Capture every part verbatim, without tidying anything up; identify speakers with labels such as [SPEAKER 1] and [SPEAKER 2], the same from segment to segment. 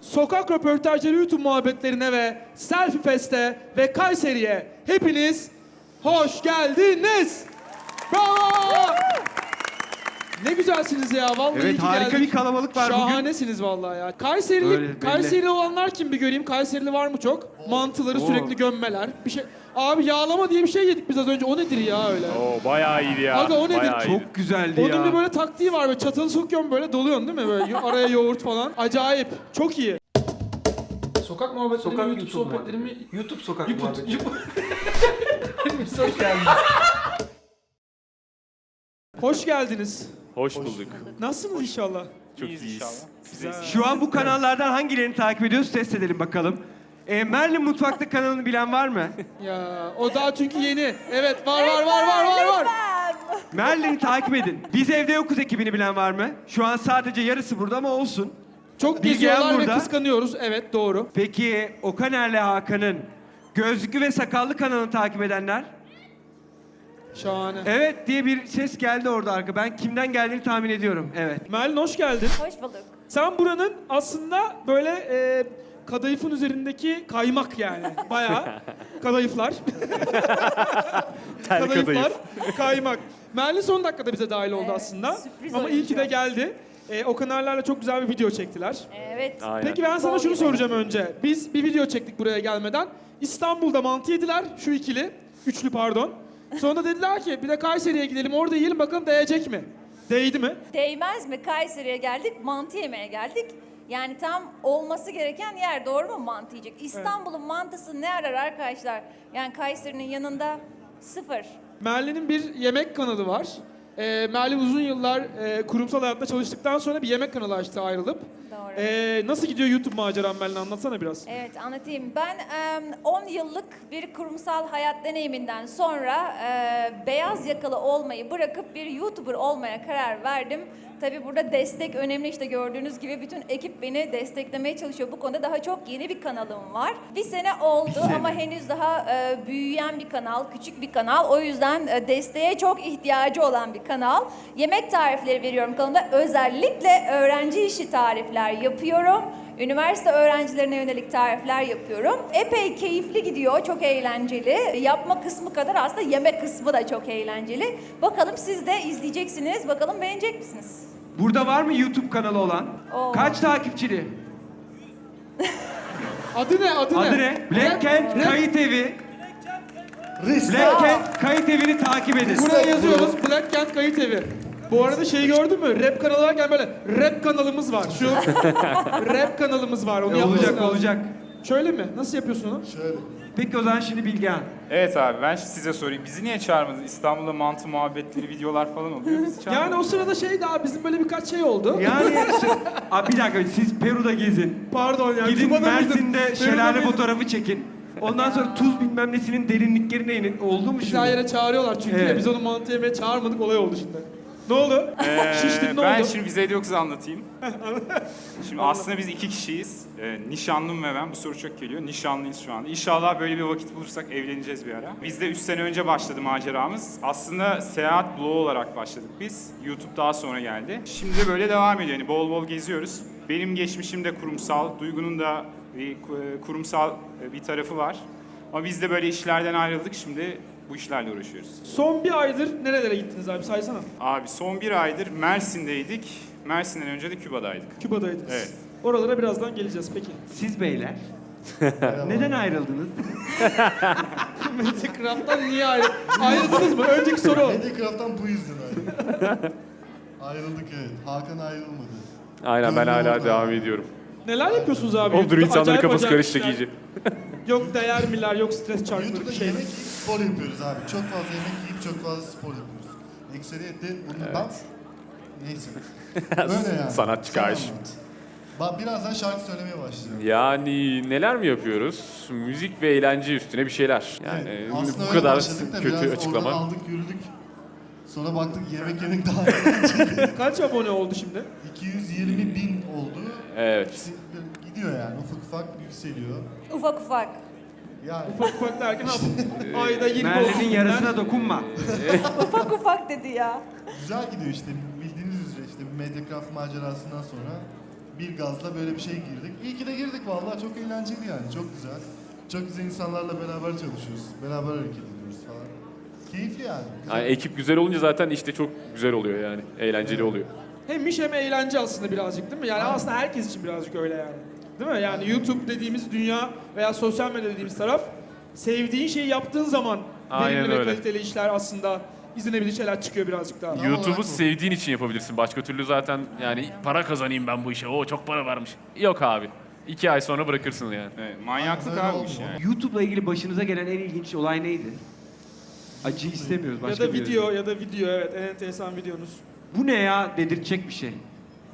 [SPEAKER 1] Sokak röportajları YouTube muhabbetlerine ve Selfie Fest'e ve Kayseri'ye hepiniz hoş geldiniz. Bravo! Ne güzelsiniz ya vallahi.
[SPEAKER 2] Evet,
[SPEAKER 1] iyi ki
[SPEAKER 2] harika
[SPEAKER 1] geldik.
[SPEAKER 2] bir kalabalık var bugün.
[SPEAKER 1] Şahanesiniz vallahi ya. Kayseri'li,
[SPEAKER 2] Öyle, belli.
[SPEAKER 1] Kayseri'li olanlar kim bir göreyim? Kayseri'li var mı çok? Mantıları
[SPEAKER 2] Oo.
[SPEAKER 1] sürekli gömmeler. Bir şey. Abi yağlama diye bir şey yedik biz az önce. O nedir ya öyle?
[SPEAKER 3] Oo bayağı iyiydi ya.
[SPEAKER 1] Aga, o nedir?
[SPEAKER 3] Bayağı iyiydi.
[SPEAKER 2] Çok güzeldi
[SPEAKER 1] Onun
[SPEAKER 2] ya.
[SPEAKER 1] bir böyle taktiği var. Böyle çatalı sokuyorsun böyle doluyorsun değil mi? Böyle araya yoğurt falan. Acayip. Çok iyi. Sokak muhabbetleri
[SPEAKER 4] Sokak
[SPEAKER 1] YouTube,
[SPEAKER 4] YouTube
[SPEAKER 1] sohbetleri mi?
[SPEAKER 4] YouTube sokak
[SPEAKER 1] YouTube.
[SPEAKER 4] muhabbeti.
[SPEAKER 1] Hepiniz hoş geldiniz. Hoş geldiniz.
[SPEAKER 3] Hoş bulduk.
[SPEAKER 1] Nasılsınız inşallah?
[SPEAKER 3] Çok iyiyiz. Size
[SPEAKER 2] Şu an bu kanallardan hangilerini takip ediyoruz test edelim bakalım. E, Merlin Mutfak'ta kanalını bilen var mı?
[SPEAKER 1] Ya o daha çünkü yeni. Evet var var var var var var.
[SPEAKER 2] Merlin'i takip edin. Biz Evde Yokuz ekibini bilen var mı? Şu an sadece yarısı burada ama olsun.
[SPEAKER 1] Çok
[SPEAKER 2] Bilgehan
[SPEAKER 1] geziyorlar ve
[SPEAKER 2] burada.
[SPEAKER 1] kıskanıyoruz. Evet doğru.
[SPEAKER 2] Peki Okaner'le Hakan'ın Gözlüklü ve Sakallı kanalını takip edenler?
[SPEAKER 1] Şahane.
[SPEAKER 2] Evet diye bir ses geldi orada arka. Ben kimden geldiğini tahmin ediyorum. Evet.
[SPEAKER 1] Merlin hoş geldin.
[SPEAKER 5] Hoş bulduk.
[SPEAKER 1] Sen buranın aslında böyle e, kadayıfın üzerindeki kaymak yani. Bayağı kadayıflar.
[SPEAKER 3] Tel
[SPEAKER 1] Kadayıflar,
[SPEAKER 3] kadayıf.
[SPEAKER 1] kaymak. Merlin son dakikada bize dahil oldu
[SPEAKER 5] Evet,
[SPEAKER 1] aslında.
[SPEAKER 5] sürpriz
[SPEAKER 1] Ama iyi ki de
[SPEAKER 5] oyuncu.
[SPEAKER 1] geldi. E, o kanallarla çok güzel bir video çektiler.
[SPEAKER 5] Evet.
[SPEAKER 3] Aynen.
[SPEAKER 1] Peki ben sana
[SPEAKER 5] Bol
[SPEAKER 1] şunu
[SPEAKER 5] gibi.
[SPEAKER 1] soracağım önce. Biz bir video çektik buraya gelmeden. İstanbul'da mantı yediler. Şu ikili. Üçlü pardon. Sonra da dediler ki bir de Kayseri'ye gidelim orada yiyelim bakalım değecek mi? Değdi mi?
[SPEAKER 5] Değmez mi? Kayseri'ye geldik, mantı yemeye geldik. Yani tam olması gereken yer, doğru mu mantı yiyecek? İstanbul'un mantısı ne arar arkadaşlar? Yani Kayseri'nin yanında sıfır.
[SPEAKER 1] Merlin'in bir yemek kanalı var. Ee, Merlin uzun yıllar e, kurumsal hayatta çalıştıktan sonra bir yemek kanalı açtı ayrılıp.
[SPEAKER 5] Doğru.
[SPEAKER 1] Ee, nasıl gidiyor YouTube maceran Merlin anlatsana biraz.
[SPEAKER 5] Evet, anlatayım. Ben on yıllık bir kurumsal hayat deneyiminden sonra e, beyaz yakalı olmayı bırakıp bir YouTuber olmaya karar verdim. Tabii burada destek önemli, işte gördüğünüz gibi bütün ekip beni desteklemeye çalışıyor. Bu konuda daha çok yeni bir kanalım var. Bir sene oldu
[SPEAKER 2] Bir sene.
[SPEAKER 5] ama henüz daha e, büyüyen bir kanal, küçük bir kanal. O yüzden e, desteğe çok ihtiyacı olan bir kanal. Yemek tarifleri veriyorum kanalımda. Özellikle öğrenci işi tarifler yapıyorum. Üniversite öğrencilerine yönelik tarifler yapıyorum. Epey keyifli gidiyor, çok eğlenceli. Yapma kısmı kadar aslında yemek kısmı da çok eğlenceli. Bakalım siz de izleyeceksiniz, bakalım beğenecek misiniz?
[SPEAKER 2] Burada var mı YouTube kanalı olan?
[SPEAKER 5] Oo.
[SPEAKER 2] Kaç takipçili?
[SPEAKER 1] Adı ne? Adı,
[SPEAKER 2] Adı
[SPEAKER 1] ne?
[SPEAKER 2] ne? Black Cat
[SPEAKER 1] Rap-
[SPEAKER 2] Kayıt Evi.
[SPEAKER 4] Risk.
[SPEAKER 2] Black Cat Kayıt Evi'ni takip edin.
[SPEAKER 1] Buraya yazıyoruz Black Kent Kayıt Evi. Bu arada şeyi gördün mü? Rap kanalı varken böyle rap kanalımız var. Şu rap kanalımız var. Onu
[SPEAKER 2] E,
[SPEAKER 1] yapması
[SPEAKER 2] olacak
[SPEAKER 1] lazım.
[SPEAKER 2] olacak.
[SPEAKER 1] Şöyle mi? Nasıl yapıyorsun onu?
[SPEAKER 4] Şöyle.
[SPEAKER 2] Peki o zaman şimdi Bilgehan.
[SPEAKER 3] Evet abi ben size sorayım. Bizi niye çağırmadınız? İstanbul'da mantı muhabbetleri, videolar falan oluyor. Bizi
[SPEAKER 1] Yani
[SPEAKER 3] çağırmadınız.
[SPEAKER 1] o sırada şey daha bizim böyle birkaç şey oldu.
[SPEAKER 2] Yani işte, abi bir dakika siz Peru'da gezin.
[SPEAKER 1] Pardon ya.
[SPEAKER 2] Gidin
[SPEAKER 1] Küba'da mıydım?
[SPEAKER 2] Mersin'de
[SPEAKER 1] Peru'da
[SPEAKER 2] şelale
[SPEAKER 1] mıydım?
[SPEAKER 2] fotoğrafı çekin. Ondan sonra tuz bilmem nesinin derinliklerine inin. Oldu mu
[SPEAKER 1] Bizi
[SPEAKER 2] şimdi?
[SPEAKER 1] her yere çağırıyorlar çünkü
[SPEAKER 2] Evet.
[SPEAKER 1] ya, biz onu mantı yemeye çağırmadık, olay oldu şimdi. Ne oldu?
[SPEAKER 3] Ee,
[SPEAKER 1] Şiştin, ne
[SPEAKER 3] ben
[SPEAKER 1] oldu?
[SPEAKER 3] şimdi bize yoksa anlatayım. Şimdi aslında biz iki kişiyiz. Ee, nişanlım ve ben. Bu soru çok geliyor. Nişanlıyız şu anda. İnşallah böyle bir vakit bulursak evleneceğiz bir ara. Biz de üç sene önce başladı maceramız. Aslında seyahat bloğu olarak başladık biz. YouTube daha sonra geldi. Şimdi de böyle devam ediyor. Yani bol bol geziyoruz. Benim geçmişim de kurumsal. Duygu'nun da bir kurumsal bir tarafı var. Ama biz de böyle işlerden ayrıldık. Şimdi bu işlerle uğraşıyoruz.
[SPEAKER 1] Son bir aydır nerelere gittiniz abi saysana.
[SPEAKER 3] Abi son bir aydır Mersin'deydik. Mersin'den önce de Küba'daydık.
[SPEAKER 1] Küba'daydınız.
[SPEAKER 3] Evet.
[SPEAKER 1] Oralara birazdan geleceğiz peki.
[SPEAKER 2] Siz beyler. Neden ayrıldınız?
[SPEAKER 1] Mediacraft'tan niye ayrı... ayrıldınız mı? Önceki soru o.
[SPEAKER 4] Mediacraft'tan bu yüzden ayrıldık. Ayrıldık evet. Hakan ayrılmadı.
[SPEAKER 6] Aynen ben
[SPEAKER 4] Gönlü
[SPEAKER 6] hala
[SPEAKER 4] orada.
[SPEAKER 6] devam ediyorum.
[SPEAKER 1] Neler yapıyorsunuz abi?
[SPEAKER 6] Olur
[SPEAKER 1] YouTube'da?
[SPEAKER 6] insanların
[SPEAKER 1] Acayip
[SPEAKER 6] kafası
[SPEAKER 1] acayip
[SPEAKER 6] karışacak
[SPEAKER 1] işler.
[SPEAKER 6] iyice.
[SPEAKER 1] Yok değer miler, yok stres çarkları
[SPEAKER 4] YouTube'da
[SPEAKER 1] bir şey.
[SPEAKER 4] yemek yiyip spor yapıyoruz abi. Çok fazla yemek yiyip çok fazla spor yapıyoruz. Ekseriyette bundan... Neyse. Böyle yani.
[SPEAKER 6] Sanatçı
[SPEAKER 4] Sen
[SPEAKER 6] karşı.
[SPEAKER 4] anlat. Bak birazdan şarkı söylemeye başlayacağım.
[SPEAKER 6] Yani neler mi yapıyoruz? Müzik ve eğlence üstüne bir şeyler. Yani
[SPEAKER 4] Evet,
[SPEAKER 6] bu
[SPEAKER 4] aslında öyle
[SPEAKER 6] kadar
[SPEAKER 4] başladık da
[SPEAKER 6] kötü
[SPEAKER 4] biraz
[SPEAKER 6] açıklama.
[SPEAKER 4] Oradan aldık yürüdük. Sonra baktık yemek yemek daha eğlenceli.
[SPEAKER 1] Kaç abone oldu şimdi?
[SPEAKER 4] iki yüz yirmi bin oldu.
[SPEAKER 6] Evet.
[SPEAKER 4] Gidiyor yani ufak ufak yükseliyor.
[SPEAKER 5] Ufak ufak.
[SPEAKER 4] Yani
[SPEAKER 1] Ufak ufak derken ha, ayda yirmi
[SPEAKER 2] Merlin'in
[SPEAKER 1] oldu.
[SPEAKER 2] yarısına dokunma.
[SPEAKER 5] Ufak ufak dedi ya.
[SPEAKER 4] güzel gidiyor işte bildiğiniz üzere işte Mediacraft macerasından sonra bir gazla böyle bir şey girdik. İyi ki de dedik vallahi çok eğlenceli yani. Çok güzel. Çok güzel insanlarla beraber çalışıyoruz. Beraber hareket ediyoruz falan. Keyifli yani. Güzel.
[SPEAKER 6] Yani ekip güzel olunca zaten işte çok güzel oluyor yani. Eğlenceli oluyor.
[SPEAKER 1] Hem iş hem eğlence aslında birazcık değil mi? Yani aslında herkes için birazcık öyle yani. Değil mi? Yani YouTube dediğimiz dünya veya sosyal medya dediğimiz taraf sevdiğin şeyi yaptığın zaman
[SPEAKER 6] Aynen
[SPEAKER 1] verimli ve
[SPEAKER 6] öyle.
[SPEAKER 1] kaliteli işler aslında izlenebilir şeyler çıkıyor birazcık daha.
[SPEAKER 4] Tam
[SPEAKER 6] YouTube'u
[SPEAKER 4] olarak bu.
[SPEAKER 6] sevdiğin için yapabilirsin. Başka türlü zaten yani para kazanayım ben bu işe. O çok para varmış. Yok abi. İki ay sonra bırakırsın yani.
[SPEAKER 3] Evet, manyaklık
[SPEAKER 4] Aynen,
[SPEAKER 3] abi
[SPEAKER 4] öyle
[SPEAKER 3] bu iş
[SPEAKER 4] olmuyor.
[SPEAKER 3] yani.
[SPEAKER 2] YouTube'la ilgili başınıza gelen en ilginç olay neydi? Acı istemiyoruz
[SPEAKER 1] Ya
[SPEAKER 2] başka
[SPEAKER 1] da
[SPEAKER 2] bir
[SPEAKER 1] video
[SPEAKER 2] yere.
[SPEAKER 1] ya da video evet en enteresan videonuz.
[SPEAKER 2] Bu ne ya dedirtecek bir şey.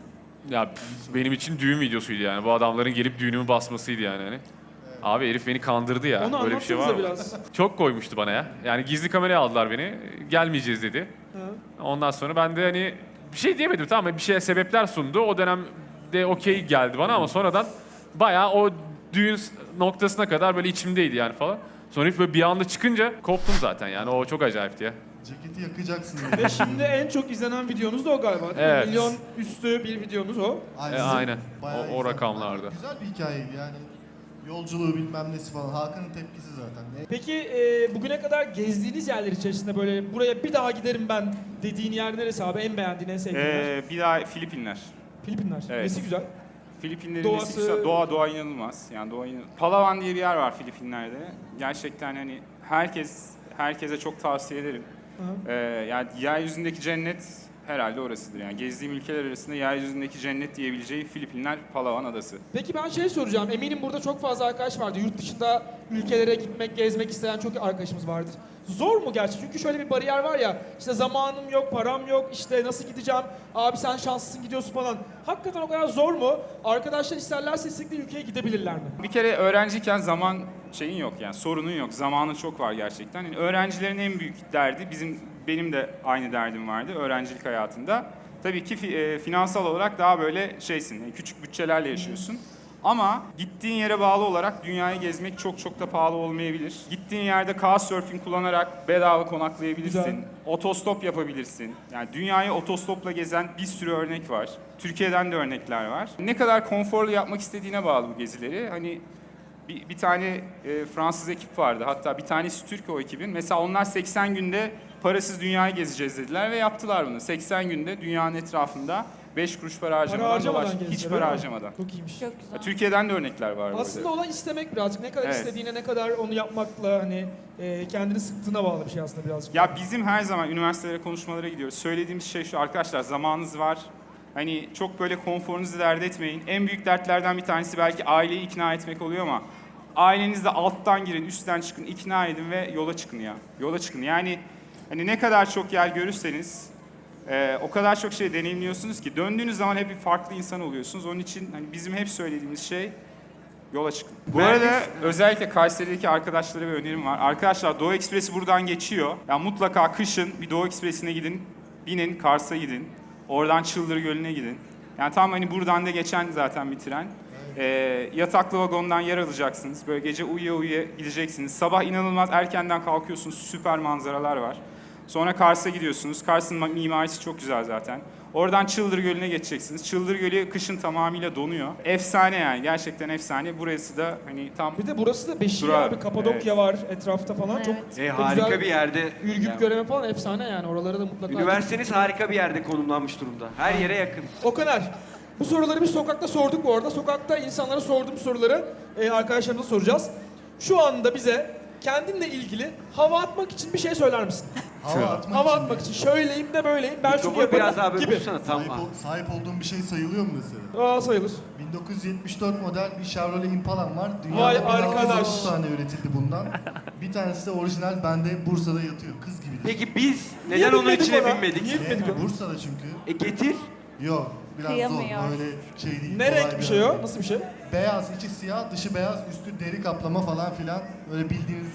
[SPEAKER 6] Ya pf, benim için düğün videosuydu yani. Bu adamların gelip düğünümü basmasıydı yani hani. Abi herif beni kandırdı ya.
[SPEAKER 1] Onu
[SPEAKER 6] Böyle bir şey var
[SPEAKER 1] anlatsanıza
[SPEAKER 6] mı?
[SPEAKER 1] biraz.
[SPEAKER 6] Çok koymuştu bana ya. Yani gizli kameraya aldılar beni. Gelmeyeceğiz dedi.
[SPEAKER 1] Hı.
[SPEAKER 6] Ondan sonra ben de hani bir şey diyemedim tamam mı? Bir şeye sebepler sundu. O dönemde okey geldi bana ama sonradan bayağı o düğün s- noktasına kadar böyle içimdeydi yani falan. Sonra herif böyle bir anda çıkınca koptum zaten yani. O çok acayipti ya.
[SPEAKER 4] Ceketi yakacaksın diye.
[SPEAKER 1] Ve şimdi en çok izlenen videonuz da o galiba değil mi?
[SPEAKER 6] Evet.
[SPEAKER 1] Milyon üstü bir videonuz o.
[SPEAKER 6] E, aynen.
[SPEAKER 4] Bayağı
[SPEAKER 6] O- o
[SPEAKER 4] güzel.
[SPEAKER 6] rakamlarda.
[SPEAKER 4] Güzel bir hikayeydi yani. Yolculuğu bilmem nesi falan. Hakan'ın tepkisi zaten. Ne?
[SPEAKER 1] Peki e, bugüne kadar gezdiğiniz yerler içerisinde böyle buraya bir daha giderim ben dediğin yer neresi abi? En beğendiğin, en sevdiğin yer?
[SPEAKER 3] Ee, bir daha Filipinler.
[SPEAKER 1] Filipinler.
[SPEAKER 3] evet.
[SPEAKER 1] Nesi güzel?
[SPEAKER 3] Filipinlerin
[SPEAKER 1] Doğası-
[SPEAKER 3] nesi güzel. Doğa, doğa inanılmaz. Yani doğa inan- Palawan diye bir yer var Filipinler'de. Gerçekten hani herkes, herkese çok tavsiye ederim.
[SPEAKER 1] Hı.
[SPEAKER 3] Ee, yani yeryüzündeki cennet herhalde orasıdır. Yani gezdiğim ülkeler arasında yeryüzündeki cennet diyebileceği Filipinler Palawan Adası.
[SPEAKER 1] Peki ben şey soracağım. Eminim burada çok fazla arkadaş vardı. Yurt dışında ülkelere gitmek, gezmek isteyen çok arkadaşımız vardır. Zor mu gerçi? Çünkü şöyle bir bariyer var ya. İşte zamanım yok, param yok, işte nasıl gideceğim? Abi sen şanslısın gidiyorsun falan. Hakikaten o kadar zor mu? Arkadaşlar isterlerse istekli ülkeye gidebilirler mi?
[SPEAKER 3] Bir kere öğrenciyken zaman şeyin yok yani sorunun yok. Zamanın çok var gerçekten. Yani öğrencilerin en büyük derdi bizim benim de aynı derdim vardı öğrencilik hayatında. Tabii ki fi- e, finansal olarak daha böyle şeysin. yani küçük bütçelerle yaşıyorsun. Ama gittiğin yere bağlı olarak dünyayı gezmek çok çok da pahalı olmayabilir. Gittiğin yerde Couchsurfing kullanarak bedava konaklayabilirsin.
[SPEAKER 1] Güzel.
[SPEAKER 3] Otostop yapabilirsin. Yani dünyayı otostopla gezen bir sürü örnek var. Türkiye'den de örnekler var. Ne kadar konforlu yapmak istediğine bağlı bu gezileri. Hani bir, bir tane e, Fransız ekip vardı. Hatta bir tanesi Türk o ekibin. Mesela onlar seksen günde parasız dünyayı gezeceğiz dediler ve yaptılar bunu. seksen günde dünyanın etrafında beş kuruş para harcamadan,
[SPEAKER 1] Para harcamadan
[SPEAKER 3] dolaş-
[SPEAKER 1] gezdiler,
[SPEAKER 3] hiç
[SPEAKER 1] öyle
[SPEAKER 3] para
[SPEAKER 1] mi?
[SPEAKER 3] harcamadan.
[SPEAKER 1] Çok iyiymiş.
[SPEAKER 5] Çok güzel.
[SPEAKER 3] Türkiye'den de örnekler var bu
[SPEAKER 1] Aslında
[SPEAKER 3] arada.
[SPEAKER 1] olan istemek birazcık. Ne kadar
[SPEAKER 3] Evet.
[SPEAKER 1] istediğine, ne kadar onu yapmakla hani e, kendini sıktığına bağlı bir şey aslında birazcık.
[SPEAKER 3] Ya bizim her zaman üniversitelere konuşmalara gidiyoruz. Söylediğimiz şey şu arkadaşlar zamanınız var. Hani çok böyle konforunuzu dert etmeyin. En büyük dertlerden bir tanesi belki aileyi ikna etmek oluyor ama ailenizle alttan girin, üstten çıkın, ikna edin ve yola çıkın ya. Yola çıkın. Yani hani ne kadar çok yer görürseniz e, o kadar çok şey deneyimliyorsunuz ki döndüğünüz zaman hep bir farklı insan oluyorsunuz. Onun için hani bizim hep söylediğimiz şey yola çıkın. Bu
[SPEAKER 2] Ben-
[SPEAKER 3] arada özellikle Kayseri'deki arkadaşlara bir önerim var. Arkadaşlar Doğu Ekspresi buradan geçiyor. Yani mutlaka kışın bir Doğu Ekspresi'ne gidin. Binin Kars'a gidin. Oradan Çıldır Gölü'ne gidin. Yani tam hani buradan da geçen zaten bir tren. Ee, yataklı vagondan yer alacaksınız. Böyle gece uyuya uyuya gideceksiniz. Sabah inanılmaz erkenden kalkıyorsunuz. Süper manzaralar var. Sonra Kars'a gidiyorsunuz. Kars'ın mimarisi çok güzel zaten. Oradan Çıldır Gölü'ne geçeceksiniz. Çıldır Gölü kışın tamamıyla donuyor. Efsane yani. Gerçekten efsane. Burası da hani tam
[SPEAKER 1] Bir de burası da Beşiktaş
[SPEAKER 3] Durağı,
[SPEAKER 1] abi, Kapadokya var etrafta falan.
[SPEAKER 5] Evet.
[SPEAKER 1] Çok
[SPEAKER 2] E,
[SPEAKER 1] da
[SPEAKER 2] harika
[SPEAKER 1] güzel
[SPEAKER 2] bir yerde.
[SPEAKER 1] Ürgüp
[SPEAKER 2] Yani
[SPEAKER 1] göreme falan efsane yani. Oralara da mutlaka.
[SPEAKER 2] Üniversiteniz harika bir yerde konumlanmış durumda. Her yere yakın.
[SPEAKER 1] Okaner, bu soruları biz sokakta sorduk bu arada. Sokakta insanlara sorduğum soruları e, arkadaşlarımıza soracağız. Şu anda bize kendinle ilgili hava atmak için bir şey söyler misin?
[SPEAKER 4] Hava atmak
[SPEAKER 1] Hava
[SPEAKER 4] için
[SPEAKER 1] atmak
[SPEAKER 4] mi?
[SPEAKER 1] için şöyleyim de böyleyim, ben şunu
[SPEAKER 2] Mikrofonu
[SPEAKER 1] yaparım
[SPEAKER 2] biraz daha böyle
[SPEAKER 1] gibi.
[SPEAKER 2] tutsana.
[SPEAKER 4] Sahip,
[SPEAKER 2] Tamam.
[SPEAKER 4] ol- sahip olduğum bir şey sayılıyor mu mesela?
[SPEAKER 1] Aa sayılır.
[SPEAKER 4] bin dokuz yüz yetmiş dört model bir Chevrolet Impala'm var.
[SPEAKER 1] Vay
[SPEAKER 4] Dünyada bin altı yüz
[SPEAKER 1] arkadaş.
[SPEAKER 4] otuz tane üretildi bundan. Bir tanesi de orijinal bende Bursa'da yatıyor. Kız gibi.
[SPEAKER 2] Peki biz
[SPEAKER 1] Niye
[SPEAKER 2] neden onun
[SPEAKER 1] binmedik
[SPEAKER 2] içine
[SPEAKER 1] ona?
[SPEAKER 2] binmedik?
[SPEAKER 1] Niye
[SPEAKER 4] Niye?
[SPEAKER 1] binmedik ona?
[SPEAKER 4] Bursa'da çünkü.
[SPEAKER 2] E getir.
[SPEAKER 4] Yok. Biraz
[SPEAKER 5] Kıyamıyor.
[SPEAKER 4] zor. Böyle şey değil.
[SPEAKER 1] Ne
[SPEAKER 4] kolay
[SPEAKER 1] renk bir şey o?
[SPEAKER 4] araba.
[SPEAKER 1] Nasıl bir şey?
[SPEAKER 4] Beyaz, içi siyah, dışı beyaz, üstü deri kaplama falan filan. Öyle bildiğiniz.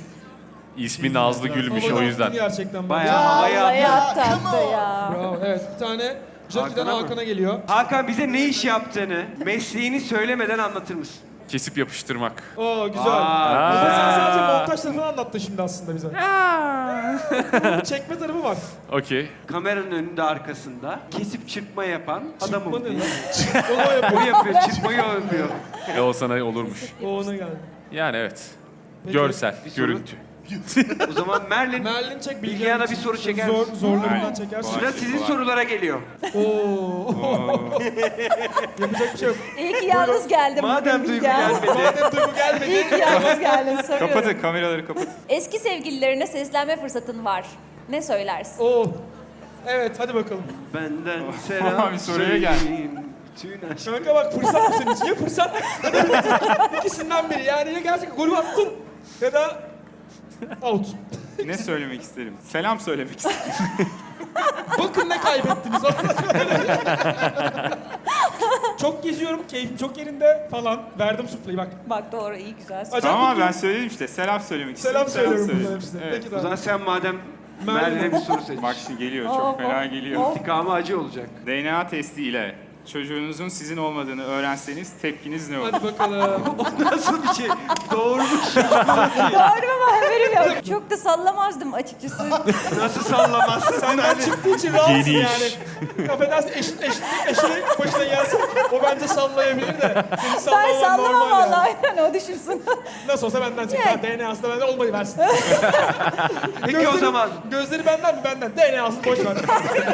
[SPEAKER 6] İsmi Nazlı Gül'müş o
[SPEAKER 1] Havalı
[SPEAKER 6] yüzden.
[SPEAKER 1] attın gerçekten.
[SPEAKER 2] Bayağı
[SPEAKER 1] bence.
[SPEAKER 2] havaya
[SPEAKER 5] Vallahi
[SPEAKER 2] attı.
[SPEAKER 5] attı
[SPEAKER 4] come on.
[SPEAKER 5] ya.
[SPEAKER 1] Bravo. Evet, bir tane Jackie'den
[SPEAKER 2] Hakan'a mı?
[SPEAKER 1] Hakan'a geliyor.
[SPEAKER 2] Hakan bize ne iş yaptığını, mesleğini söylemeden anlatır mısın?
[SPEAKER 6] kesip yapıştırmak.
[SPEAKER 1] Oo güzel.
[SPEAKER 2] Aa,
[SPEAKER 1] Ama sen
[SPEAKER 6] Aa.
[SPEAKER 1] sadece montaj tarafını anlattın şimdi aslında bize. Bunun bir çekme tarafı var.
[SPEAKER 6] Okey.
[SPEAKER 2] Kameranın önünde arkasında kesip çırpma yapan adamım.
[SPEAKER 1] Çıkma ne
[SPEAKER 2] diye.
[SPEAKER 1] lan? Onu o
[SPEAKER 2] O
[SPEAKER 1] yapıyor.
[SPEAKER 2] yapıyor, çırpmayı o yapıyor.
[SPEAKER 6] E o sana olurmuş.
[SPEAKER 1] O ona geldi.
[SPEAKER 6] Yani evet.
[SPEAKER 1] Peki,
[SPEAKER 6] Görsel,
[SPEAKER 2] bir soru.
[SPEAKER 6] görüntü.
[SPEAKER 2] O zaman Merlin,
[SPEAKER 1] Merlin çek
[SPEAKER 2] Bilgehan'a
[SPEAKER 1] için
[SPEAKER 2] bir soru
[SPEAKER 1] zor,
[SPEAKER 2] çeker.
[SPEAKER 1] zorlarından
[SPEAKER 3] Aynen.
[SPEAKER 1] çekersin.
[SPEAKER 2] sıra sizin sorulara geliyor.
[SPEAKER 1] Oo. Yapacak bir şey yok.
[SPEAKER 5] İyi ki yalnız geldim.
[SPEAKER 2] Madem
[SPEAKER 5] bugün
[SPEAKER 2] Duygu
[SPEAKER 5] Bilgehan.
[SPEAKER 2] gelmedi.
[SPEAKER 1] Madem Duygu gelmedi.
[SPEAKER 5] İyi ki yalnız geldin. Soruyorum.
[SPEAKER 3] Kapatın kameraları kapatın.
[SPEAKER 5] Eski sevgililerine seslenme fırsatın var. Ne söylersin?
[SPEAKER 1] Oo. Evet hadi bakalım.
[SPEAKER 2] Benden selam
[SPEAKER 3] Bir soruya gel.
[SPEAKER 2] söyleyin. Tüm aşk.
[SPEAKER 1] Kanka bak fırsat mı senin için? Ya fırsat ya da bitti. İkisinden biri. Yani ya gerçekten golü attın ya da out.
[SPEAKER 3] Ne söylemek isterim? Selam söylemek isterim.
[SPEAKER 1] Bakın ne kaybettiniz. Çok geziyorum, keyfim çok yerinde falan. Verdim suplayı bak.
[SPEAKER 5] Bak doğru, iyi güzel.
[SPEAKER 1] Acayip
[SPEAKER 3] Tamam abi
[SPEAKER 1] mutluyum.
[SPEAKER 3] söyledim söyledim işte. Selam söylemek
[SPEAKER 1] Selam
[SPEAKER 3] istedim.
[SPEAKER 1] söylüyorum bunların hepsine.
[SPEAKER 3] Evet.
[SPEAKER 1] Peki
[SPEAKER 2] O zaman
[SPEAKER 1] daha.
[SPEAKER 2] sen madem
[SPEAKER 1] Merlin.
[SPEAKER 2] Merlin'e bir soru seç.
[SPEAKER 3] Bak şimdi geliyor. Çok
[SPEAKER 5] Of,
[SPEAKER 3] fena
[SPEAKER 5] of,
[SPEAKER 3] geliyor.
[SPEAKER 5] of.
[SPEAKER 2] İntikamı acı olacak.
[SPEAKER 3] D N A testi ile çocuğunuzun sizin olmadığını öğrenseniz tepkiniz ne olur?
[SPEAKER 1] Hadi bakalım.
[SPEAKER 2] Nasıl bir şey? Doğurmuş.
[SPEAKER 5] Doğru mu haberim yok. Çok da sallamazdım açıkçası.
[SPEAKER 2] Nasıl sallamazsın?
[SPEAKER 1] Senden çıktığı için rahatsın
[SPEAKER 6] Geniş.
[SPEAKER 1] yani. Affedersin eşit eşit eşine başına gelsin. O bence sallayabilir de. Senin
[SPEAKER 5] Ben
[SPEAKER 1] sallaman
[SPEAKER 5] sallamam
[SPEAKER 1] normal yani.
[SPEAKER 5] vallahi. Yani o düşünsün.
[SPEAKER 1] Nasıl olsa benden çıktı.
[SPEAKER 5] Yani.
[SPEAKER 1] Ha, D N A'sı da benden olmayı versin.
[SPEAKER 2] Peki o zaman
[SPEAKER 1] Gözleri benden mi? Benden. D N A'sını boş ver.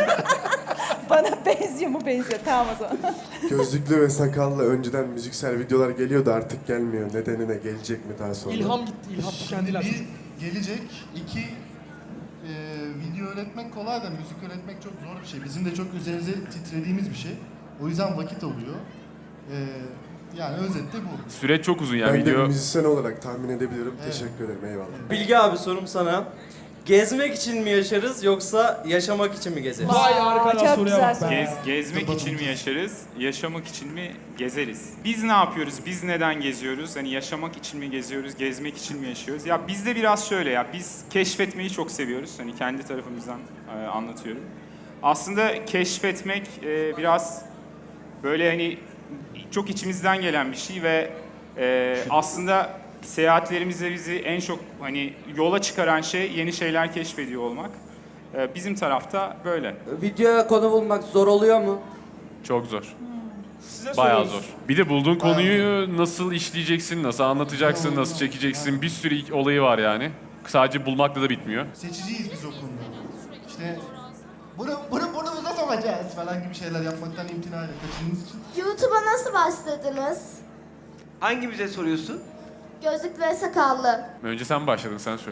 [SPEAKER 5] Bana benziyor mu benziyor. Tamam o zaman.
[SPEAKER 7] Gözlüklü ve sakallı önceden müziksel videolar geliyordu artık gelmiyor. Nedenine gelecek mi daha sonra?
[SPEAKER 1] İlham gitti. İlham
[SPEAKER 4] Şimdi
[SPEAKER 1] kendiler.
[SPEAKER 4] bir gelecek, iki e, video öğretmek kolay da müzik öğretmek çok zor bir şey. Bizim de çok üzerimize titrediğimiz bir şey. O yüzden vakit alıyor. E, yani özetle bu.
[SPEAKER 6] Süreç çok uzun yani
[SPEAKER 7] Ben de bir
[SPEAKER 6] video.
[SPEAKER 7] müzisyen olarak tahmin edebilirim. Teşekkür ederim. Eyvallah.
[SPEAKER 8] Bilge abi sorum sana. Gezmek için mi yaşarız yoksa yaşamak için mi gezeriz?
[SPEAKER 1] Vay
[SPEAKER 5] Aa,
[SPEAKER 1] arkadaş
[SPEAKER 5] çok
[SPEAKER 1] soruya
[SPEAKER 5] güzel
[SPEAKER 1] bak
[SPEAKER 5] soru.
[SPEAKER 1] be.
[SPEAKER 3] Gez, gezmek için mi yaşarız, yaşamak için mi gezeriz? Biz ne yapıyoruz, biz neden geziyoruz? Hani yaşamak için mi geziyoruz, gezmek için mi yaşıyoruz? Ya bizde biraz şöyle ya, biz keşfetmeyi çok seviyoruz. Hani kendi tarafımızdan e, anlatıyorum. Aslında keşfetmek e, biraz böyle hani çok içimizden gelen bir şey ve e, aslında seyahatlerimizde bizi en çok hani yola çıkaran şey yeni şeyler keşfediyor olmak. E, bizim tarafta böyle.
[SPEAKER 8] Videoya konu bulmak zor oluyor mu?
[SPEAKER 6] Çok zor.
[SPEAKER 1] Size
[SPEAKER 6] Bayağı
[SPEAKER 1] soruyoruz.
[SPEAKER 6] zor. Bir de bulduğun konuyu nasıl işleyeceksin, nasıl anlatacaksın, nasıl çekeceksin. Bir sürü ilk olayı var yani. Sadece bulmakla da bitmiyor.
[SPEAKER 4] Seçiciyiz biz o konuda. İşte bunu, bunu burnumuza sokacağız falan gibi şeyler yapmaktan imtina edin. Kaçınız için.
[SPEAKER 9] YouTube'a nasıl başladınız?
[SPEAKER 2] hangimize soruyorsun?
[SPEAKER 9] Gözlüklü ve sakallı.
[SPEAKER 6] Önce sen başladın, sen söyle.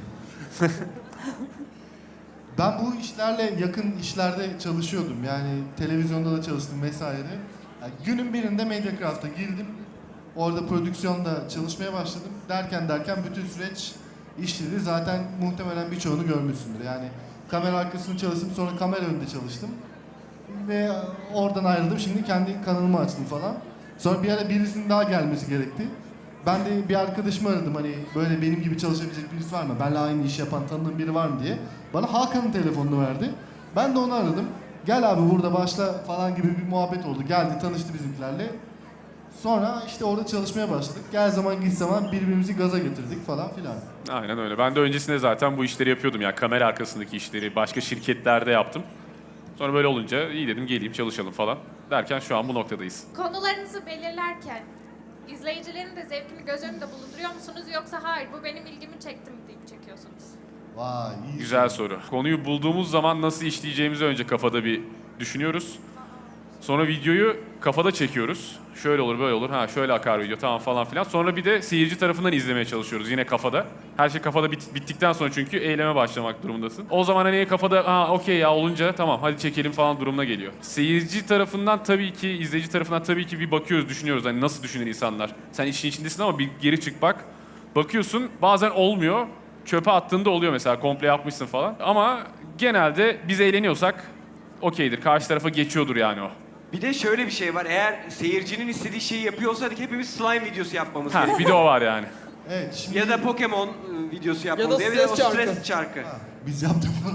[SPEAKER 4] Ben bu işlerle yakın işlerde çalışıyordum. Yani televizyonda da çalıştım vesaire. Yani günün birinde Mediacraft'a girdim. Orada prodüksiyonda çalışmaya başladım. Derken derken bütün süreç işledi. Zaten muhtemelen birçoğunu görmüşsündür. Yani kamera arkasını çalıştım, sonra kamera önünde çalıştım. Ve oradan ayrıldım. Şimdi kendi kanalımı açtım falan. Sonra bir ara birisinin daha gelmesi gerekti. Ben de bir arkadaşımı aradım, hani böyle benim gibi çalışabilecek birisi var mı? Benle aynı iş yapan tanıdığım biri var mı diye. Bana Hakan'ın telefonunu verdi. Ben de onu aradım. Gel abi burada başla falan gibi bir muhabbet oldu. Geldi, tanıştı bizimkilerle. Sonra işte orada çalışmaya başladık. Gel zaman git zaman birbirimizi gaza getirdik falan filan.
[SPEAKER 6] Aynen öyle. Ben de öncesinde zaten bu işleri yapıyordum ya. Kamera arkasındaki işleri başka şirketlerde yaptım. Sonra böyle olunca iyi dedim geleyim çalışalım falan. Derken şu an bu noktadayız.
[SPEAKER 10] Konularınızı belirlerken izleyicilerin de zevkini göz önünde bulunduruyor musunuz yoksa hayır bu benim ilgimi çekti mi deyip çekiyorsunuz?
[SPEAKER 4] Vay iyi.
[SPEAKER 6] Güzel soru. Konuyu bulduğumuz zaman nasıl işleyeceğimizi önce kafada bir düşünüyoruz. Sonra videoyu kafada çekiyoruz. Şöyle olur, böyle olur. Ha şöyle akar video tamam falan filan. Sonra bir de seyirci tarafından izlemeye çalışıyoruz yine kafada. Her şey kafada bit- bittikten sonra çünkü eyleme başlamak durumundasın. O zaman hani kafada ha okey ya olunca tamam hadi çekelim falan durumuna geliyor. Seyirci tarafından tabii ki, izleyici tarafından tabii ki bir bakıyoruz, düşünüyoruz. Hani nasıl düşünür insanlar? Sen işin içindesin ama bir geri çık bak. Bakıyorsun bazen olmuyor. Çöpe attığında oluyor mesela komple yapmışsın falan. Ama genelde biz eğleniyorsak okeydir. Karşı tarafa geçiyordur yani o.
[SPEAKER 2] Bir de şöyle bir şey var. Eğer seyircinin istediği şeyi yapıyor olsaydık hepimiz slime videosu yapmamız
[SPEAKER 6] Ha,
[SPEAKER 2] gerekiyor.
[SPEAKER 6] bir de o var yani.
[SPEAKER 4] Evet şimdi
[SPEAKER 2] Ya da Pokemon e, videosu yapmamız
[SPEAKER 1] da
[SPEAKER 2] gerekiyor.
[SPEAKER 1] stres
[SPEAKER 2] O stres
[SPEAKER 1] çarkı.
[SPEAKER 2] çarkı.
[SPEAKER 4] biz yaptık bunu.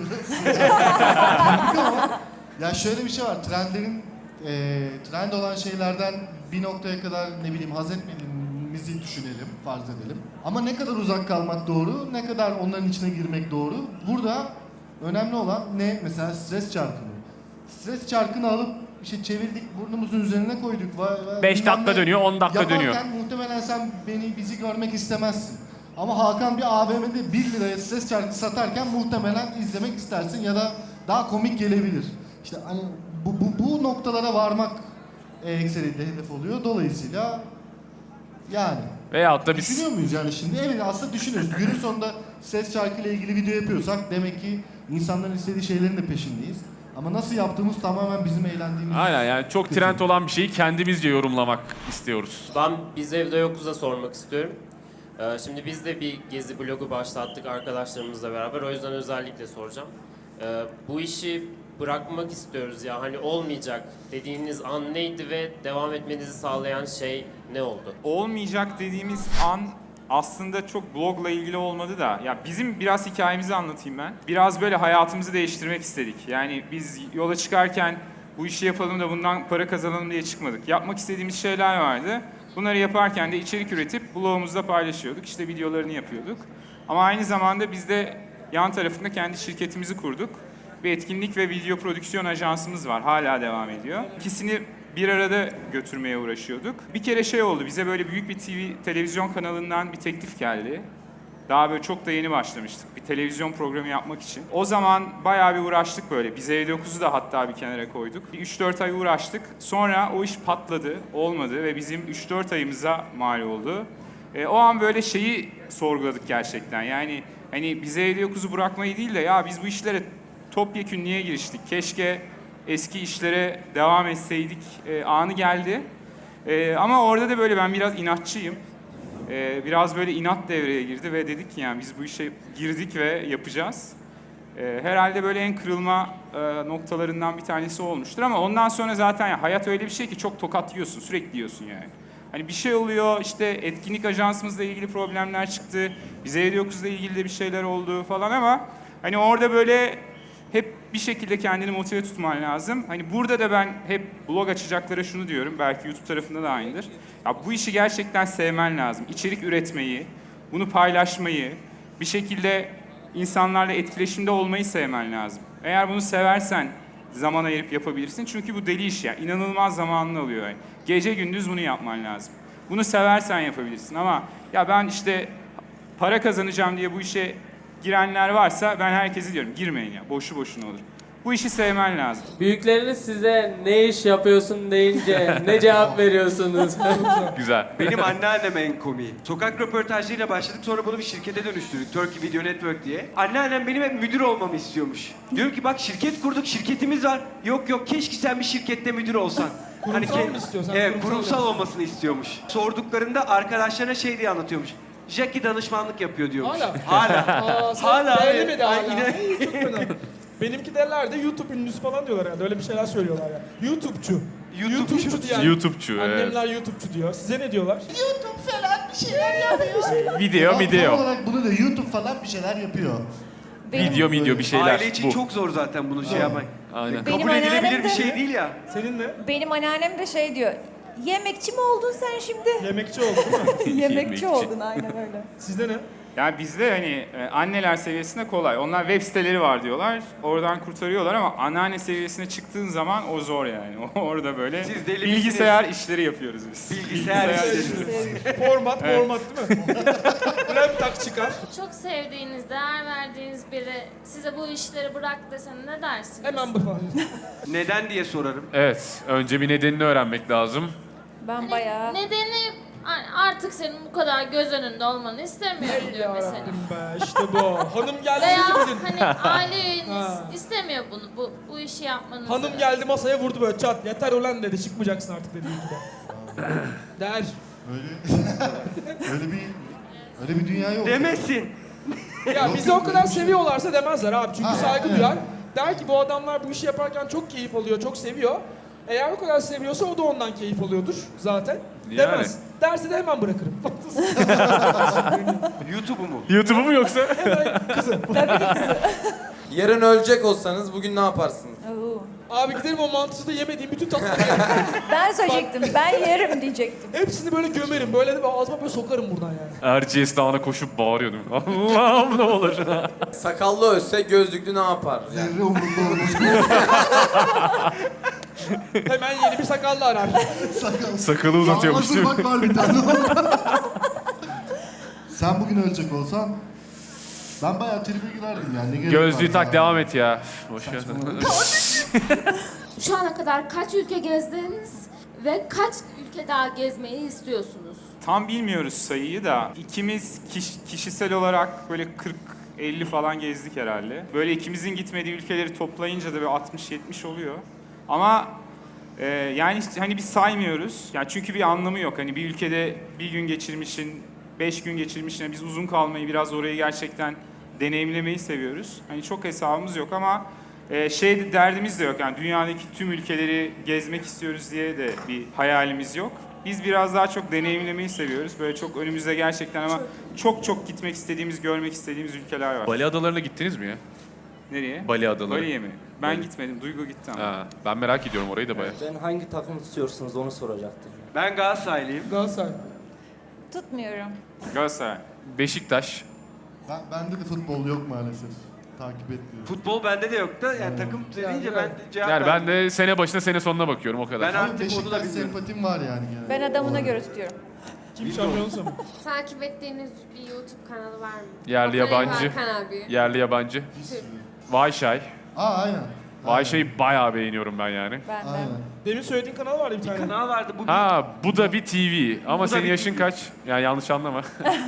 [SPEAKER 4] Ama ya şöyle bir şey var. Trendlerin e, trend olan şeylerden bir noktaya kadar ne bileyim haz etmediğin bizi düşünelim, farz edelim. Ama ne kadar uzak kalmak doğru, ne kadar onların içine girmek doğru. Burada önemli olan ne? Mesela stres çarkını. Stres çarkını alıp işte çevirdik, burnumuzun üzerine koyduk. Vay, vay,
[SPEAKER 6] beş
[SPEAKER 4] bilmem
[SPEAKER 6] dakika
[SPEAKER 4] ne.
[SPEAKER 6] dönüyor, on dakika
[SPEAKER 4] Yaparken
[SPEAKER 6] dönüyor.
[SPEAKER 4] muhtemelen sen beni, bizi görmek istemezsin. Ama Hakan bir A V M'de bir liraya stres çarkı satarken muhtemelen izlemek istersin ya da daha komik gelebilir. İşte hani bu, bu, bu noktalara varmak e, ekseriyle hedef oluyor. Dolayısıyla yani
[SPEAKER 6] Veyahut da biz
[SPEAKER 4] düşünüyor muyuz yani şimdi? Evet aslında düşünüyoruz. Günün sonunda ses şarkıyla ilgili video yapıyorsak demek ki insanların istediği şeylerin de peşindeyiz. Ama nasıl yaptığımız tamamen bizim eğlendiğimiz.
[SPEAKER 6] aynen yani çok trend olan bir şeyi kendimizce yorumlamak istiyoruz.
[SPEAKER 11] Ben Biz Evde Yokuz'a sormak istiyorum. Ee, şimdi biz de bir gezi blogu başlattık arkadaşlarımızla beraber. O yüzden özellikle soracağım. Ee, bu işi bırakmak istiyoruz ya. Hani olmayacak dediğiniz an neydi ve devam etmenizi sağlayan şey ne oldu?
[SPEAKER 3] Olmayacak dediğimiz an aslında çok blogla ilgili olmadı da ya bizim biraz hikayemizi anlatayım ben. Biraz böyle hayatımızı değiştirmek istedik. Yani biz yola çıkarken bu işi yapalım da bundan para kazanalım diye çıkmadık. Yapmak istediğimiz şeyler vardı. Bunları yaparken de içerik üretip blogumuzda paylaşıyorduk. İşte videolarını yapıyorduk. Ama aynı zamanda biz de yan tarafında kendi şirketimizi kurduk. Bir etkinlik ve video prodüksiyon ajansımız var. Hala devam ediyor. İkisini bir arada götürmeye uğraşıyorduk. Bir kere şey oldu, bize böyle büyük bir T V, televizyon kanalından bir teklif geldi. Daha böyle çok da yeni başlamıştık bir televizyon programı yapmak için. O zaman bayağı bir uğraştık böyle. Biz Evde Yokuz'u da hatta bir kenara koyduk. Bir üç dört ay uğraştık. Sonra o iş patladı, olmadı ve bizim üç dört ayımıza mal oldu. E, o an böyle şeyi sorguladık gerçekten. Yani hani Biz Evde Yokuz'u bırakmayı değil de ya biz bu işlere topyekün niye giriştik? Keşke eski işlere devam etseydik e, anı geldi. E, ama orada da böyle ben biraz inatçıyım. E, biraz böyle inat devreye girdi ve dedik ki yani biz bu işe girdik ve yapacağız. E, herhalde böyle en kırılma e, noktalarından bir tanesi olmuştur ama ondan sonra zaten ya, hayat öyle bir şey ki çok tokat yiyorsun, sürekli yiyorsun yani. Hani bir şey oluyor, işte etkinlik ajansımızla ilgili problemler çıktı, Biz Evde Yokuz'la ilgili de bir şeyler oldu falan ama hani orada böyle hep bir şekilde kendini motive tutman lazım. Hani burada da ben hep blog açacaklara şunu diyorum, belki YouTube tarafında da aynıdır. Ya bu işi gerçekten sevmen lazım. İçerik üretmeyi, bunu paylaşmayı, bir şekilde insanlarla etkileşimde olmayı sevmen lazım. Eğer bunu seversen zaman ayırıp yapabilirsin. Çünkü bu deli iş ya, inanılmaz zamanını alıyor. Yani. Gece gündüz bunu yapman lazım. Bunu seversen yapabilirsin ama ya ben işte para kazanacağım diye bu işe girenler varsa ben herkese diyorum girmeyin ya, boşu boşuna olur. Bu işi sevmen lazım.
[SPEAKER 8] Büyükleriniz size ne iş yapıyorsun deyince ne cevap veriyorsunuz?
[SPEAKER 6] Güzel.
[SPEAKER 2] Benim anneannem en komiği. Sokak röportajlarıyla başladık, sonra bunu bir şirkete dönüştürdük. Turkey Video Network diye. Anneannem benim hep müdür olmamı istiyormuş. Diyorum ki bak şirket kurduk, şirketimiz var. Yok yok, keşke sen bir şirkette müdür olsan.
[SPEAKER 1] Kurumsal
[SPEAKER 2] ke-
[SPEAKER 1] mı istiyorsan?
[SPEAKER 2] Evet,
[SPEAKER 1] Kurumsal
[SPEAKER 2] kurumsal
[SPEAKER 1] yapsın.
[SPEAKER 2] olmasını istiyormuş. Sorduklarında arkadaşlarına şey diye anlatıyormuş. Jackie danışmanlık yapıyor diyormuş.
[SPEAKER 1] Hala.
[SPEAKER 2] Hala.
[SPEAKER 1] Aa, sen
[SPEAKER 2] Hala,
[SPEAKER 1] beğenemedi
[SPEAKER 2] evet.
[SPEAKER 1] hala.
[SPEAKER 2] Ay,
[SPEAKER 1] İyi, çok fena. Benimki derler de YouTube ünlüsü falan diyorlar herhalde. Öyle bir şeyler söylüyorlar ya. YouTube'cu. YouTube'cu diyen.
[SPEAKER 6] YouTube'cu, evet.
[SPEAKER 1] Annemler YouTube'cu diyor. Size ne diyorlar?
[SPEAKER 6] Video,
[SPEAKER 4] Tam
[SPEAKER 6] video.
[SPEAKER 4] olarak bunu da YouTube falan bir şeyler yapıyor.
[SPEAKER 5] Benim,
[SPEAKER 6] Video, video bir şeyler.
[SPEAKER 2] Aile için
[SPEAKER 6] bu.
[SPEAKER 2] çok zor zaten bunu şey yapmak.
[SPEAKER 6] Aynen.
[SPEAKER 5] Benim
[SPEAKER 2] Kabul edilebilir
[SPEAKER 5] anneannem
[SPEAKER 2] bir
[SPEAKER 5] de-
[SPEAKER 2] şey değil ya.
[SPEAKER 1] Senin ne?
[SPEAKER 5] benim anneannem de şey diyor. Yemekçi mi oldun sen şimdi?
[SPEAKER 1] Yemekçi oldun değil mi?
[SPEAKER 5] Yemekçi
[SPEAKER 6] Yemekçi.
[SPEAKER 5] oldun aynen öyle.
[SPEAKER 1] Sizde ne?
[SPEAKER 3] Yani bizde hani e, anneler seviyesinde kolay. Onlar web siteleri var diyorlar. Oradan kurtarıyorlar ama anneanne seviyesine çıktığın zaman o zor yani. Orada böyle
[SPEAKER 2] Siz deli
[SPEAKER 3] bilgisayar işleri yapıyoruz biz.
[SPEAKER 2] Bilgisayar işleri.
[SPEAKER 1] Format, format değil mi? Laptop çıkar.
[SPEAKER 10] Çok sevdiğiniz, değer verdiğiniz biri size bu işleri bırak dese ne dersiniz?
[SPEAKER 1] Hemen bu falan.
[SPEAKER 2] Neden diye sorarım.
[SPEAKER 6] Evet, önce bir nedenini öğrenmek lazım.
[SPEAKER 5] Ben bayağı...
[SPEAKER 10] Nedeni artık senin bu kadar göz önünde olmanı istemiyorum diyor mesela.
[SPEAKER 1] Yarabbim be, işte bu. Hanım geldi
[SPEAKER 10] Veya
[SPEAKER 1] dedi dedin.
[SPEAKER 10] hani aile üyeniz
[SPEAKER 1] Ha.
[SPEAKER 10] istemiyor bunu, bu, bu işi yapmanızı.
[SPEAKER 1] Hanım geldi masaya vurdu böyle çat. Yeter ulan dedi, çıkmayacaksın artık dedi YouTube'a. Der.
[SPEAKER 4] Öyle öyle bir öyle bir dünya yok.
[SPEAKER 2] Demesin.
[SPEAKER 1] Ya bizi o kadar seviyorlarsa demezler abi. Çünkü
[SPEAKER 4] Ha,
[SPEAKER 1] saygı
[SPEAKER 4] evet.
[SPEAKER 1] duyar. Der ki bu adamlar bu işi yaparken çok keyif alıyor, çok seviyor. Eğer o kadar seviyorsa o da ondan keyif alıyordur zaten.
[SPEAKER 6] Yani.
[SPEAKER 1] Demez. Derse de hemen bırakırım.
[SPEAKER 2] YouTube'u mu?
[SPEAKER 6] YouTube'u mu yoksa?
[SPEAKER 1] Hemen kızı.
[SPEAKER 12] Yarın ölecek olsanız bugün ne yaparsınız?
[SPEAKER 5] Oo.
[SPEAKER 1] Abi giderim o mantısı da yemediğim bütün tatlıları yerim.
[SPEAKER 5] Ben söyleyecektim. Ben yerim diyecektim.
[SPEAKER 1] Hepsini böyle gömerim. Böyle de ağzıma böyle sokarım buradan yani.
[SPEAKER 6] Erciyes Dağı'na koşup bağırıyordum. Allah'ım ne olur.
[SPEAKER 8] Sakallı ölse gözlüklü ne yapar?
[SPEAKER 4] Zerre umurumda olmaz.
[SPEAKER 1] Hemen yeni bir sakallı arar.
[SPEAKER 4] Sakal.
[SPEAKER 6] Sakalı uzatıyormuş
[SPEAKER 4] Hazır
[SPEAKER 6] değil mi?
[SPEAKER 4] bak var bir tane. Sen bugün ölecek olsan ben bayağı tribe girerdim yani. Ne gerek
[SPEAKER 6] Gözlüğü
[SPEAKER 4] var
[SPEAKER 6] tak
[SPEAKER 4] ya?
[SPEAKER 6] devam et ya. Boş ver.
[SPEAKER 4] Saçmalama.
[SPEAKER 9] Şu ana kadar kaç ülke gezdiniz ve kaç ülke daha gezmeyi istiyorsunuz?
[SPEAKER 3] Tam bilmiyoruz sayıyı da ikimiz kiş- kişisel olarak böyle kırk elli falan gezdik herhalde. Böyle ikimizin gitmediği ülkeleri toplayınca da böyle altmış yetmiş oluyor. Ama e, yani işte hani biz saymıyoruz. Yani çünkü bir anlamı yok. Hani bir ülkede bir gün geçirmişin, beş gün geçirmişin, yani biz uzun kalmayı, biraz orayı gerçekten deneyimlemeyi seviyoruz. Hani çok hesabımız yok ama e, şey derdimiz de yok. Yani dünyadaki tüm ülkeleri gezmek istiyoruz diye de bir hayalimiz yok. Biz biraz daha çok deneyimlemeyi seviyoruz. Böyle çok önümüzde gerçekten ama çok çok gitmek istediğimiz, görmek istediğimiz ülkeler var.
[SPEAKER 6] Bali adalarına gittiniz mi ya?
[SPEAKER 3] Nereye?
[SPEAKER 6] Bali adaları.
[SPEAKER 3] Bali'ye mi? Ben
[SPEAKER 6] Bali.
[SPEAKER 3] gitmedim. Duygu gitti ama.
[SPEAKER 6] Ha, ben merak ediyorum orayı da bayağı.
[SPEAKER 8] Ben hangi takım tutuyorsunuz onu soracaktım.
[SPEAKER 2] Ben Galatasaraylıyım.
[SPEAKER 1] Galatasaray.
[SPEAKER 5] Tutmuyorum.
[SPEAKER 3] Galatasaray.
[SPEAKER 6] Beşiktaş.
[SPEAKER 4] Ben, bende de futbol yok maalesef. Takip etmiyorum.
[SPEAKER 2] Futbol bende de yok da yani takım deyince ben cevap
[SPEAKER 6] Yani ben
[SPEAKER 2] verdim.
[SPEAKER 6] de sene başına sene sonuna bakıyorum o kadar.
[SPEAKER 2] Ben
[SPEAKER 4] Ama
[SPEAKER 2] artık onu da
[SPEAKER 4] Beşiktaş
[SPEAKER 2] bilmiyorum.
[SPEAKER 4] sempatim var yani genelde.
[SPEAKER 5] Ben adamına göre tutuyorum.
[SPEAKER 1] Kim şampiyonsa mı?
[SPEAKER 10] Takip ettiğiniz bir YouTube kanalı var mı?
[SPEAKER 6] Yerli
[SPEAKER 10] Bakalım
[SPEAKER 6] yabancı.
[SPEAKER 10] Hakan abi.
[SPEAKER 6] Yerli yabancı. Vayşay.
[SPEAKER 4] Aa aynen.
[SPEAKER 6] Vayşay'ı bayağı beğeniyorum ben yani.
[SPEAKER 5] Ben de.
[SPEAKER 4] Aynen.
[SPEAKER 1] Demin söylediğin kanal vardı bir tane.
[SPEAKER 2] Kanal vardı bu.
[SPEAKER 6] Ha bu da bir T V ama
[SPEAKER 2] Bu da
[SPEAKER 6] senin
[SPEAKER 2] bir
[SPEAKER 6] yaşın
[SPEAKER 2] T V.
[SPEAKER 6] kaç? Yani yanlış anlama.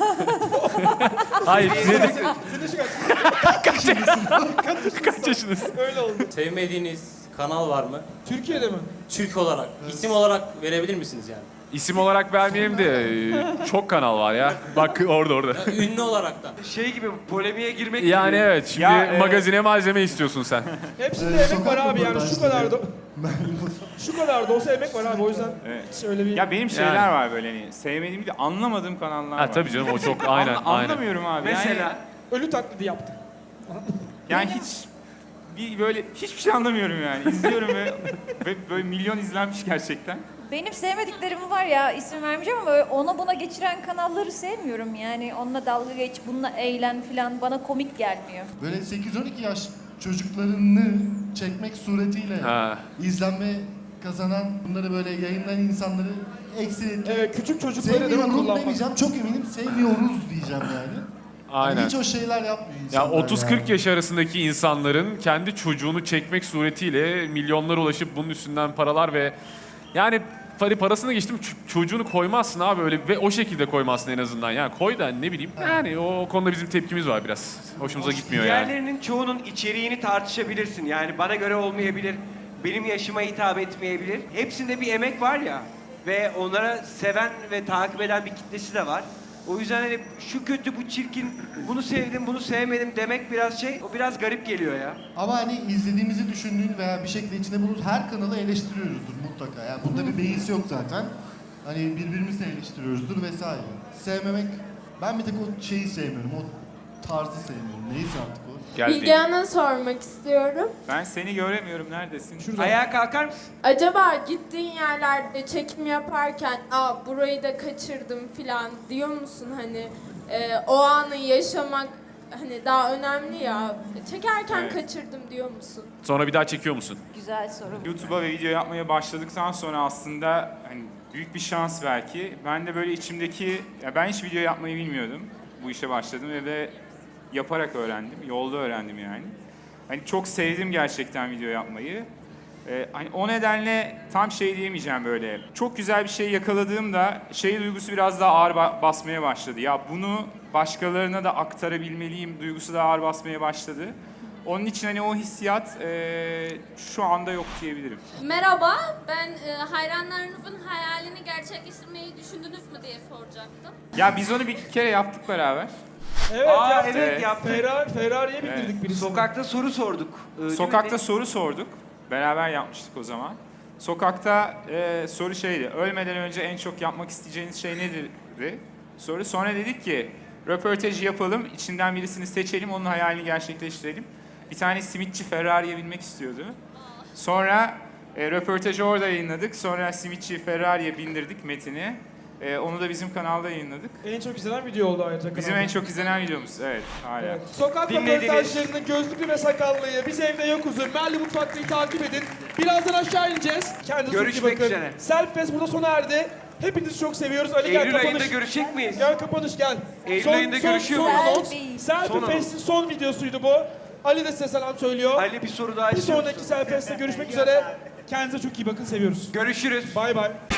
[SPEAKER 6] Hayır, dedik.
[SPEAKER 1] Senin yaşın kaç?
[SPEAKER 6] Kaç yaşındasın?
[SPEAKER 1] Öyle oldu.
[SPEAKER 8] Sevmediğiniz kanal var mı?
[SPEAKER 1] Türkiye'de mi?
[SPEAKER 8] Türk olarak. İsim olarak verebilir misiniz yani?
[SPEAKER 6] İsim olarak vermeyeyim de e, çok kanal var ya. Bak orada orada.
[SPEAKER 8] Ünlü olarak da.
[SPEAKER 2] Şey gibi polemiğe girmek
[SPEAKER 6] Yani
[SPEAKER 2] gibi.
[SPEAKER 6] evet şimdi
[SPEAKER 3] Ya, e-
[SPEAKER 6] magazine malzeme istiyorsun sen.
[SPEAKER 1] Hepsinde
[SPEAKER 4] Ee,
[SPEAKER 1] emek var
[SPEAKER 4] sokak
[SPEAKER 1] abi yani şu
[SPEAKER 4] röportajları.
[SPEAKER 1] kadar da şu kadar da olsa emek var abi o yüzden
[SPEAKER 3] Evet.
[SPEAKER 1] hiç öyle bir
[SPEAKER 3] Ya benim şeyler
[SPEAKER 6] Yani.
[SPEAKER 3] var böyle hani sevmediğim de anlamadığım kanallar
[SPEAKER 6] Ha
[SPEAKER 3] var.
[SPEAKER 6] tabii canım o çok aynen
[SPEAKER 3] Anla-
[SPEAKER 6] aynen.
[SPEAKER 3] Anlamıyorum abi.
[SPEAKER 2] Mesela
[SPEAKER 3] Yani,
[SPEAKER 1] ölü taklidi yaptı.
[SPEAKER 3] yani hiç bir böyle hiçbir şey anlamıyorum yani. İzliyorum ve, ve böyle milyon izlenmiş gerçekten.
[SPEAKER 5] Benim sevmediklerim var ya, isim vermeyeceğim ama ona buna geçiren kanalları sevmiyorum yani. Onunla dalga geç, bununla eğlen falan bana komik gelmiyor.
[SPEAKER 4] Böyle sekiz on iki yaş çocuklarını çekmek suretiyle
[SPEAKER 6] Ha.
[SPEAKER 4] izlenme kazanan, bunları böyle yayınlayan insanları eksilikle
[SPEAKER 1] Evet, küçük çocukları değil mi
[SPEAKER 4] sevmiyorum
[SPEAKER 1] kullanmak?
[SPEAKER 4] demeyeceğim. Çok eminim sevmiyoruz diyeceğim yani. Hani
[SPEAKER 6] Aynen.
[SPEAKER 4] hiç o şeyler yapmıyor
[SPEAKER 6] Ya
[SPEAKER 4] insanlar
[SPEAKER 6] otuz kırk yaş arasındaki insanların kendi çocuğunu çekmek suretiyle milyonlara ulaşıp bunun üstünden paralar ve yani para parasını geçtim ç- çocuğunu koymazsın abi öyle ve o şekilde koymazsın en azından. Yani koy da ne bileyim. Yani o konuda bizim tepkimiz var biraz. Hoşumuza gitmiyor yani.
[SPEAKER 2] diğerlerinin çoğunun içeriğini tartışabilirsin. Yani bana göre olmayabilir, benim yaşıma hitap etmeyebilir. Hepsinde bir emek var ya ve onlara seven ve takip eden bir kitlesi de var. O yüzden hani şu kötü, bu çirkin, bunu sevdim, bunu sevmedim demek biraz şey, o biraz garip geliyor ya.
[SPEAKER 4] Ama hani izlediğimizi düşündüğün veya bir şekilde içinde bulunduğun her kanalı eleştiriyoruzdur mutlaka. Yani bunda bir beis yok zaten. Hani birbirimizi eleştiriyoruzdur vesaire. Sevmemek, ben bir tek o şeyi sevmiyorum, o tarzı sevmiyorum. Neyse artık o.
[SPEAKER 6] Geldi.
[SPEAKER 9] Hanım'a sormak istiyorum.
[SPEAKER 3] Ben seni göremiyorum. Neredesin?
[SPEAKER 1] Şurada.
[SPEAKER 2] Ayağa kalkar mısın?
[SPEAKER 9] Acaba gittiğin yerlerde çekim yaparken aa burayı da kaçırdım filan diyor musun hani e, o anı yaşamak hani daha önemli ya. Çekerken
[SPEAKER 3] Evet.
[SPEAKER 9] kaçırdım diyor musun?
[SPEAKER 6] Sonra bir daha çekiyor musun?
[SPEAKER 5] Güzel soru.
[SPEAKER 3] YouTube'a ve video yapmaya başladıktan sonra aslında hani büyük bir şans belki. Ben de böyle içimdeki, ya ben hiç video yapmayı bilmiyordum. Bu işe başladım ve de yaparak öğrendim, yolda öğrendim yani. Hani çok sevdim gerçekten video yapmayı. Ee, hani o nedenle tam şey diyemeyeceğim böyle. Çok güzel bir şey yakaladığımda şey duygusu biraz daha ağır ba- basmaya başladı. Ya bunu başkalarına da aktarabilmeliyim duygusu da ağır basmaya başladı. Onun için hani o hissiyat eee, şu anda yok diyebilirim.
[SPEAKER 10] Merhaba, ben e, hayranlarınızın hayalini gerçekleştirmeyi düşündünüz mü diye soracaktım.
[SPEAKER 3] Ya biz onu bir kere yaptık beraber.
[SPEAKER 1] Evet
[SPEAKER 2] Aa,
[SPEAKER 1] yaptık.
[SPEAKER 2] evet, yaptık.
[SPEAKER 1] Ferrari, Ferrari'ye bindirdik
[SPEAKER 3] Evet.
[SPEAKER 1] birisini.
[SPEAKER 2] Sokakta soru sorduk. Ee, değil mi?
[SPEAKER 3] Sokakta soru sorduk. Beraber yapmıştık o zaman. Sokakta eee, soru şeydi. Ölmeden önce en çok yapmak isteyeceğiniz şey nedir? Soru. Sonra dedik ki röportajı yapalım. İçinden birisini seçelim. Onun hayalini gerçekleştirelim. Bir tane simitçi Ferrari'ye binmek istiyordu. Sonra e, röportajı orada yayınladık. Sonra Switch'i Ferrari'ye bindirdik Metin'i. E, onu da bizim kanalda yayınladık.
[SPEAKER 1] En çok izlenen video oldu ayrıca.
[SPEAKER 3] Bizim
[SPEAKER 1] kanalda.
[SPEAKER 3] en çok izlenen videomuz. Evet, hala.
[SPEAKER 1] Evet. Sokak
[SPEAKER 2] Dinlediniz.
[SPEAKER 1] röportajlarını gözlüklü ve sakallıyı biz evde yokuz'u Merli Mutfak'tayı takip edin. Birazdan aşağı ineceğiz. Kendinize çok iyi
[SPEAKER 2] Görüşmek
[SPEAKER 1] bakın.
[SPEAKER 2] üzere.
[SPEAKER 1] Selfie burada sona erdi. Hepinizi çok seviyoruz. Ali gel
[SPEAKER 2] Eylül
[SPEAKER 1] kapanış.
[SPEAKER 2] ayında görüşecek miyiz?
[SPEAKER 1] Gel kapanış gel.
[SPEAKER 2] Eylül ayında görüşüyor
[SPEAKER 1] son
[SPEAKER 5] muyuz?
[SPEAKER 1] anons.
[SPEAKER 5] Selfie.
[SPEAKER 1] Selfie
[SPEAKER 2] Son anons.
[SPEAKER 1] Fest'in son videosuydu bu. Ali de size selam söylüyor.
[SPEAKER 2] Ali bir soru daha
[SPEAKER 1] Bir
[SPEAKER 2] istiyor
[SPEAKER 1] sonraki
[SPEAKER 2] musun?
[SPEAKER 1] Selfie Fest'te görüşmek üzere. Kendinize çok iyi bakın. Seviyoruz.
[SPEAKER 2] Görüşürüz.
[SPEAKER 1] Bay bay.